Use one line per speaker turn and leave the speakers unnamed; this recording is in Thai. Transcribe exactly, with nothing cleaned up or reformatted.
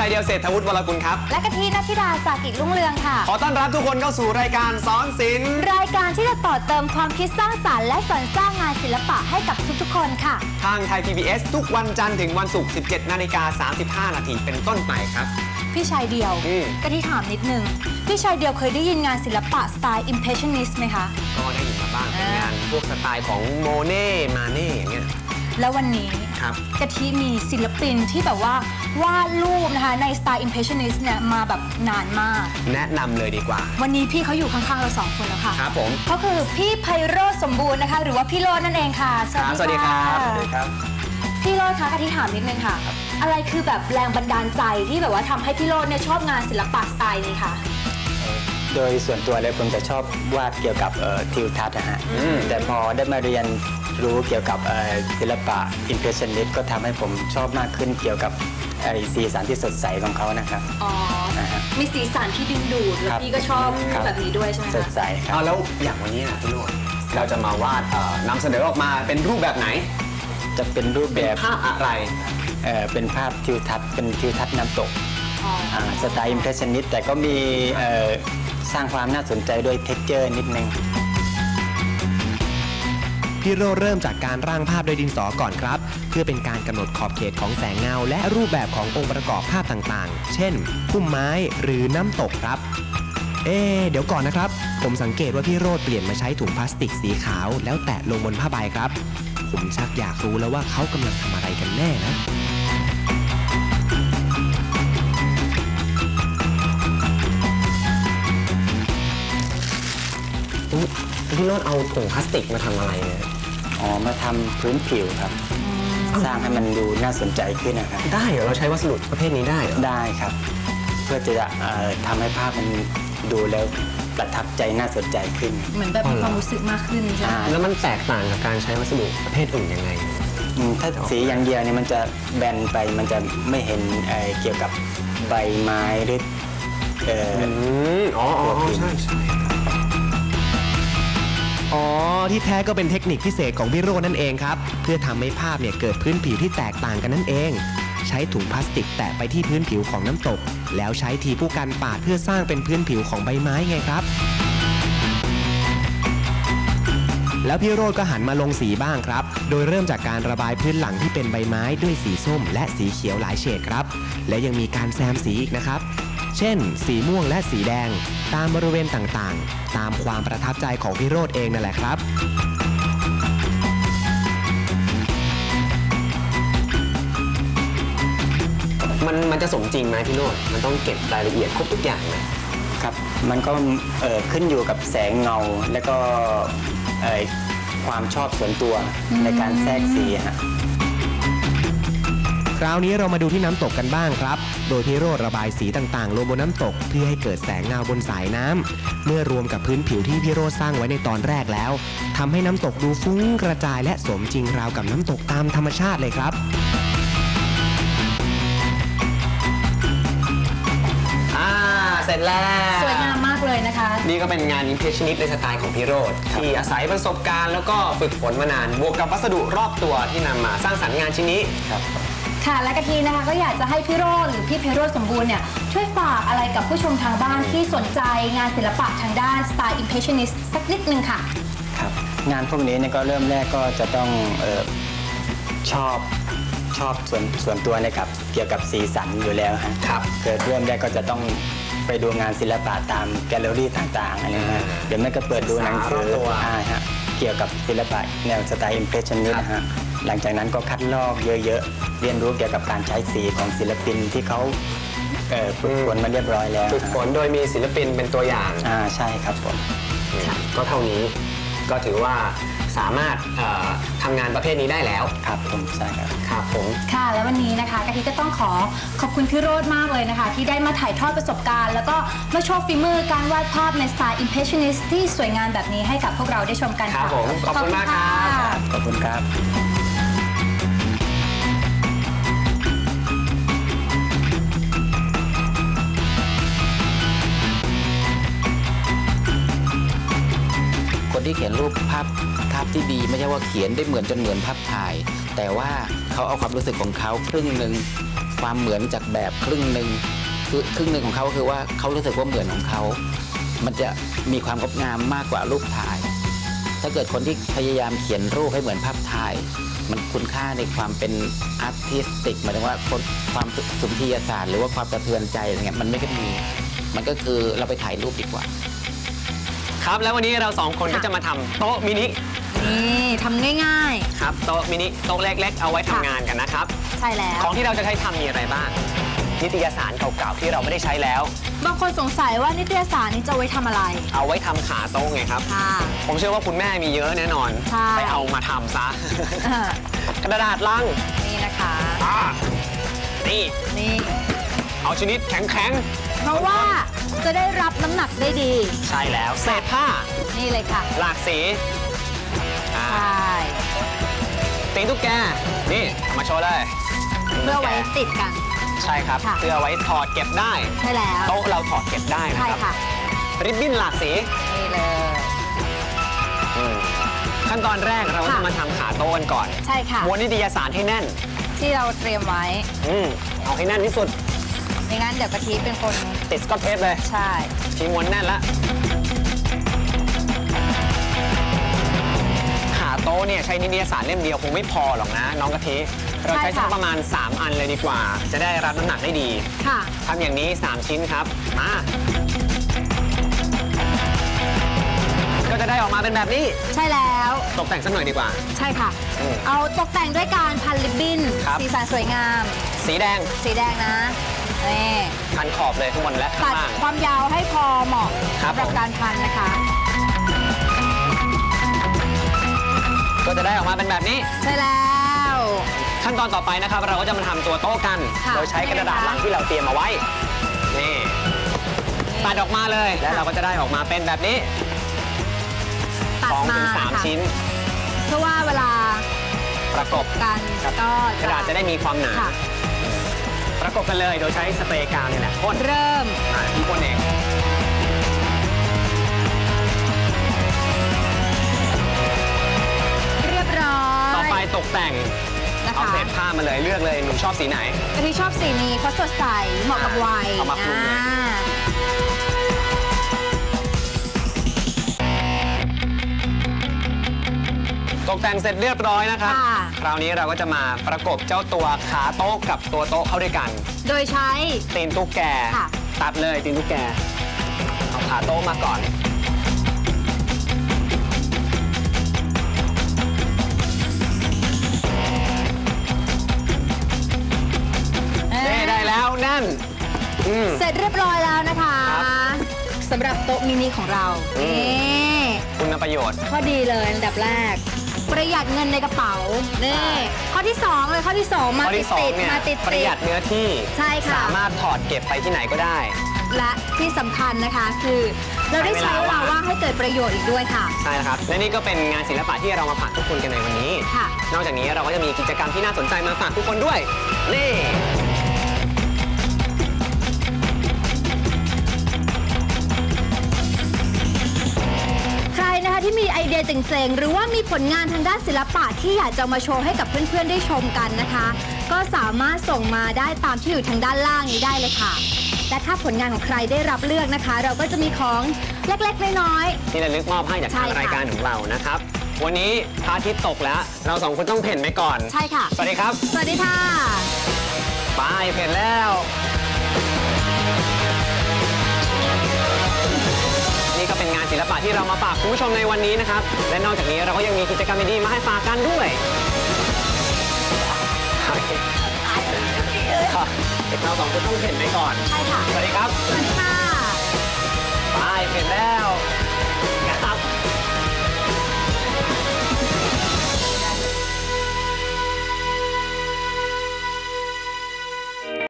ายเดียวเศรษฐวุฒิวรกุลครับ
และกะทินัทธิดาสากิจรุ่งเรืองค่ะ
ขอต้อนรับทุกคนเข้าสู่รายการสอนศิลป์
รายการที่จะต่อเติมความคิดสร้างสรรค์และสรรสร้างงานศิลปะให้กับทุกๆคนค่ะ
ทางไทย พี บี เอส ทุกวันจันทร์ถึงวันศุกร์ สิบเจ็ดนาฬิกาสามสิบห้านาทีเป็นต้นไปครับ
พี่ชายเดียวกะทิถามนิดนึงพี่ชายเดียวเคยได้ยินงานศิลปะสไตล์ Impressionist ไหมคะ
ก็ได้ยินมาบ้างเป็นงานพวกสไตล์ของโมเน่มาเน่อย่างเงี้ย
แล้ววันนี้กะทิมีศิลปินที่แบบว่าวาดรูปนะคะในสไตล์ Impressionist เนี่ยมาแบบนานมาก
แนะนำเลยดีกว่า
วันนี้พี่เขาอยู่ข้างๆเราสองคนแล้วค่ะ
ครับผม
เขาคือพี่ไพโรจน์สมบูรณ์นะคะหรือว่าพี่โรจน์นั่นเองค่ะ
สวัสดีครับสวัสดีครับ
พี่โรจน์คะกะทิถามนิดนึงค่ะอะไรคือแบบแรงบันดาลใจที่แบบว่าทำให้พี่โรจน์เนี่ยชอบงานศิลปะสไตล์นี้ค่ะ
โดยส่วนตัวเลยผมจะชอบวาดเกี่ยวกับทิวทัศน์นะฮะแต่พอได้มาเรียนรู้เกี่ยวกับศิลปะ Impressionist ก็ทำให้ผมชอบมากขึ้นเกี่ยวกับสีสันที่สดใสของเขานะครับ
อ๋อมีสีสันที่ดึงดูดแล้วพี่ก็ชอบแบบนี้ด้วยใช่ไหมคะ
สดใสครับ
แล้วอย่างวันนี้นะพี่โรจน์เราจะมาวาดนำเสนอออกมาเป็นรูปแบบไหน
จะเป็นรูปแบบ
ภาพอะไร
เออเป็นภาพทิวทัศน์เป็นทิวทัศน์น้ำตกสไตล์ Impressionist แต่ก็มีสร้างความน่าสนใจด้วยเท็กเจอร์นิดนึง
พี่โรจน์เริ่มจากการร่างภาพโดยดินสอก่อนครับเพื่อเป็นการกำหนดขอบเขตของแสงเงาและรูปแบบขององค์ประกอบภาพต่างๆเช่นพุ่มไม้หรือน้ำตกครับเอ๊เดี๋ยวก่อนนะครับผมสังเกตว่าพี่โรจน์เปลี่ยนมาใช้ถุงพลาสติกสีขาวแล้วแตะลงบนผ้าใบครับผมชักอยากรู้แล้วว่าเขากำลังทำอะไรกันแน่นะ
พี่โรจน์เอาถุงพลาสติกมาทำอะไรเนี่ย
อ๋อมาทำพื้นผิวครับสร้างให้มันดูน่าสนใจขึ้นนะครับ
ได้เหรอเราใช้วัสดุประเภทนี้ได้เหรอ
ได้ครับเพื่อจะทำให้ภาพมันดูแล้วประทับใจน่าสนใจขึ้น
เหมือนแบบมีความรู้สึกมากขึ้นใช่ไหม
แล้วมันแตกต่างกับการใช้วัสดุประเภทอื่นยังไง
ถ้าสีอย่างเดียวเนี่ยมันจะแบนไปมันจะไม่เห็นเกี่ยวกับใบไม้หรือเออ
อ๋อใช่ใช่
อ๋อที่แท้ก็เป็นเทคนิคพิเศษของพี่โรจน์นั่นเองครับเพื่อทำให้ภาพเนี่ยเกิดพื้นผิวที่แตกต่างกันนั่นเองใช้ถุงพลาสติกแตะไปที่พื้นผิวของน้ำตกแล้วใช้ทีผู้กันปาดเพื่อสร้างเป็นพื้นผิวของใบไม้ไงครับแล้วพี่โรจน์ก็หันมาลงสีบ้างครับโดยเริ่มจากการระบายพื้นหลังที่เป็นใบไม้ด้วยสีส้มและสีเขียวหลายเฉดครับและยังมีการแซมสีอีกนะครับเช่นสีม่วงและสีแดงตามบริเวณต่างๆตามความประทับใจของพี่โรจน์เองนั่นแหละครับ
มันมันจะสมจริงไหมพี่โรจน์มันต้องเก็บรายละเอียดครบทุกอย่างไหม
ครับมันก็เอ่อขึ้นอยู่กับแสงเงาและก็เอ่อความชอบส่วนตัวในการแทรกสีฮะ
คราวนี้เรามาดูที่น้ำตกกันบ้างครับโดยพี่โรจน์ระบายสีต่างๆลงบนน้ำตกเพื่อให้เกิดแสงเงาบนสายน้ำเมื่อรวมกับพื้นผิวที่พี่โรจน์สร้างไว้ในตอนแรกแล้วทำให้น้ำตกดูฟุ้งกระจายและสมจริงราวกับน้ำตกตามธรรมชาติเลยครับ
เสร็จแล้ว
สวยงามมากเลยนะคะ
นี่ก็เป็นงาน Impressionist ในสไตล์ของพี่โรจน์ที่อาศัยประสบการณ์แล้วก็ฝึกฝนมานานบวกกับวัสดุรอบตัวที่นำมาสร้างสรรค์งานชิ้นนี้
ครับ
ค่ะและกะทินะคะก็อยากจะให้พี่โรจน์หรือพี่ไพโรจน์สมบูรณ์เนี่ยช่วยฝากอะไรกับผู้ชมทางบ้านที่สนใจงานศิลปะทางด้านสไตล์ Impressionist สักนิดนึงค่ะ
ครับงานพวกนี้เนี่ยก็เริ่มแรกก็จะต้องเอ่อชอบชอบส่วนส่วนตัวในกับเกี่ยวกับสีสันอยู่แล้วครับเกิดเริ่มแรกก็จะต้องไปดูงานศิลปะตามแกลเลอรี่ต่างๆอะไรนะเดี๋ยวแม่ก็เปิดดูหนังสือเกี่ยวกับศิลปะแนวสไตล์ Impressionist นะฮะหลังจากนั้นก็คัดลอกเยอะๆเรียนรู้เกี่ยวกับการใช้สีของศิลปินที่เขาฝึกฝนมาเรียบร้อยแล้ว
ฝึกฝนโดยมีศิลปินเป็นตัวอย่าง
อ่าใช่ครับผม
ก็เท่านี้ก็ถือว่าสามารถทำงานประเภทนี้ได้แล้ว
ครับผมใช่ครับ
ครับผม
ค่ะแล้ววันนี้นะคะกะทิก็ต้องขอขอบคุณพี่โรจน์มากเลยนะคะที่ได้มาถ่ายทอดประสบการณ์แล้วก็มาโชว์ฝีมือการวาดภาพในสไตล์ Impressionist ที่สวยงามแบบนี้ให้กับพวกเราได้ชมกัน
ครับผมขอบคุณมากครับ
ขอบคุณครับ
คนที่เขียนรูปภาพภาพที่ดีไม่ใช่ว่าเขียนได้เหมือนจนเหมือนภาพถ่ายแต่ว่าเขาเอาความรู้สึกของเขาครึ่งหนึ่งความเหมือนจากแบบครึ่งหนึ่งคือครึ่งหนึ่งของเขาคือว่าเขารู้สึกว่าเหมือนของเขามันจะมีความงดงามมากกว่ารูปถ่าย ถ้าเกิดคนที่พยายามเขียนรูปให้เหมือนภาพถ่ายมันคุณค่าในความเป็นอาร์ติสติกหมายถึงว่าความสุนทรียศาสตร์หรือว่าความสะเทือนใจอะไรเงี้ยมันไม่ได้มีมันก็คือเราไปถ่ายรูปดีกว่า
ครับแล้ววันนี้เราสองคนก็จะมาทำโต๊ะมินิ
นี่ทำง่าย
ๆครับโต๊ะมินิโต๊ะเล็กๆเอาไว้ทำงานกันนะครับ
ใช่แล้ว
ของที่เราจะใช้ทำมีอะไรบ้างนิตยสารเก่าๆที่เราไม่ได้ใช้แล้ว
บางคนสงสัยว่านิตยสารนี้จะไว้ทำอะไร
เอาไว้ทำขาโต๊ะไงครับผมเชื่อว่าคุณแม่มีเยอะแน่นอนไปเอามาทำซะกระดาษลัง
นี่นะคะ
นี่
นี่
เอาชนิดแข็งๆ
เพราะว่าจะได้รับน้ำหนักได้ดี
ใช่แล้วเศษผ้า
นี่เลยค่ะ
หลากสี
ใช่
ตีนตุ๊กแกนี่มาโชว์เลย
เพื่อไว้ติดกัน
ใช่ครับเพื่อไว้ถอดเก็บได้
ใช่แล้ว
โต๊ะเราถอดเก็บได้นะครับริบบิ้นหลากสี
นี่เลย
ขั้นตอนแรกเราจะมาทำขาโต๊ะกันก่อน
ใช่ค่ะ
ม้วนนิตยสารให้แน่น
ที่เราเตรียมไว้
อืมเอาให้แน่นที่สุด
ไม่งั้นเดี๋ยวกะทิเป็นคน
ติดสกอตเทปเลย
ใช่
ทีม้วนแน่นแล้วขาโต๊ะเนี่ยใช้นิตยสารเล่มเดียวคงไม่พอหรอกนะน้องกะทิเราใช้สักประมาณสามอันเลยดีกว่าจะได้รับน้ำหนักได้ดี
ค่ะ
ทำอย่างนี้สามชิ้นครับมาก็จะได้ออกมาเป็นแบบนี้
ใช่แล้ว
ตกแต่งสักหน่อยดีกว่า
ใช่ค่ะเอาตกแต่งด้วยการพันริบบิ้นสีสันสวยงาม
สีแดง
สีแดงนะนี่
พันขอบเลยข้างบนและข้างล่าง
ตัดความยาวให้พอเหมาะสำหรับการพันนะคะ
ก็จะได้ออกมาเป็นแบบนี้
ใช่แล้ว
ขั้นตอนต่อไปนะครับเราก็จะมาทำตัวโต๊ะกันโดยใช้กระดาษลังที่เราเตรียมมาไว้นี่ตัดออกมาเลยแล้วเราก็จะได้ออกมาเป็นแบบนี้สองถึงสามชิ้น
เพราะว่าเวลา
ประกบ
กันก็
กระดาษจะได้มีความหนาประกบกันเลยโดยใช้สเปรย์กาวนี่แหละพ่น
เริ่ม
ที่พ่นเอง
เรียบร้อย
ต่อไปตกแต่งเอาเศษผ้ามาเลยเลือกเลยหนูชอบสีไหน
กะทิชอบสีนี้เพราะสดใสเหมาะกับวัย
เอามาคลุมเลยตกแต่งเสร็จเรียบร้อยนะครับคราวนี้เราก็จะมาประกบเจ้าตัวขาโต๊ะกับตัวโต๊ะเข้าด้วยกัน
โดยใช้
ตีนตุ๊กแกตัดเลยตีนตุ๊กแกเอาขาโต๊ะมาก่อนได้แล้วนั่น
เสร็จเรียบร้อยแล้วนะคะสำหรับโต๊ะมินิของเรานี่
คุณประโยชน์
ข้อดีเลยอันดับแรกประหยัดเงินในกระเป๋านี่ข้อที่สองเลยข้อที่สองมาติดติดมาติด
ประหยัดเนื้อที่
ใช่ค่ะ
สามารถถอดเก็บไปที่ไหนก็ได้
และที่สำคัญนะคะคือเราได้ใช้เวลาว่างให้เกิดประโยชน์อีกด้วยค่ะ
ใช่ครับและนี่ก็เป็นงานศิลปะที่เรามาฝากทุกคนกันในวันนี้นอกจากนี้เราก็จะมีกิจกรรมที่น่าสนใจมาฝากทุกคนด้วยนี่
นะคะที่มีไอเดียเจ๋งๆหรือว่ามีผลงานทางด้านศิลปะที่อยากจะมาโชว์ให้กับเพื่อนๆได้ชมกันนะคะก็สามารถส่งมาได้ตามที่อยู่ทางด้านล่างนี้ได้เลยค่ะและถ้าผลงานของใครได้รับเลือกนะคะเราก็จะมีของเล็กๆน้อย
ๆที่ระลึกมอบให้จากทางรายการของเรานะครับวันนี้พระอาทิตย์ตกแล้วเราสองคนต้องเพ่นไปก่อน
ใช่ค่ะ
สวัสดีครับ
สวัสดีค่ะ
ไปเพ่นแล้วนี่ก็เป็นงานศิลปะที่เรามาฝากคุณผู้ชมในวันนี้นะครับและนอกจากนี้เราก็ยังมีกิจกรรมดีๆมาให้ฝากกันด้วยเราสองคนต้องเห็นไปก่อน
ใช่ค่ะ
สวัสดีครับ